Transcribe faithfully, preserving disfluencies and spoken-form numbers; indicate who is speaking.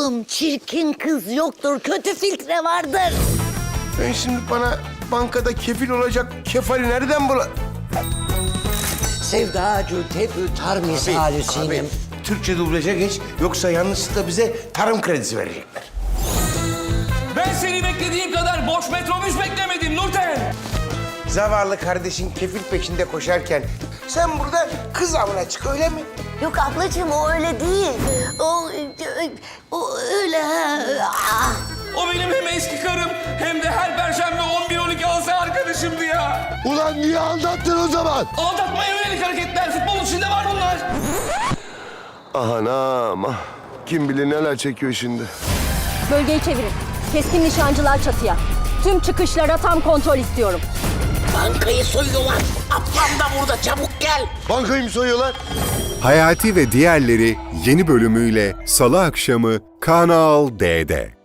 Speaker 1: Ablacığım çirkin kız yoktur, kötü filtre vardır.
Speaker 2: Ben şimdi bana bankada kefil olacak kefali nereden bula...
Speaker 3: Sevdacı tebü tar misali sinem.
Speaker 2: Türkçe dublaja geç, yoksa yanlışlıkla bize tarım kredisi verecekler.
Speaker 4: Ben seni beklediğim kadar boş metrobüs beklemedim Nurten.
Speaker 2: Zavallı kardeşin kefil peşinde koşarken sen burada kız avına çık, öyle mi?
Speaker 1: Yok ablacığım o öyle değil. O, o öyle ha. Ah.
Speaker 4: O benim hem eski karım hem de her perşembe on bir on iki alsa arkadaşımdı ya.
Speaker 5: Ulan niye anlattın o zaman?
Speaker 4: Aldatmaya yönelik hareketler, futbolun içinde var bunlar.
Speaker 5: Anam ah. Kim bilir neler çekiyor şimdi.
Speaker 6: Bölgeyi çevirin. Keskin nişancılar çatıya. Tüm çıkışlara tam kontrol istiyorum.
Speaker 1: Bankayı soyuyorlar. Ablam da burada, çabuk gel.
Speaker 5: Bankayı mı soyuyorlar?
Speaker 7: Hayati ve diğerleri yeni bölümüyle Salı akşamı Kanal D'de.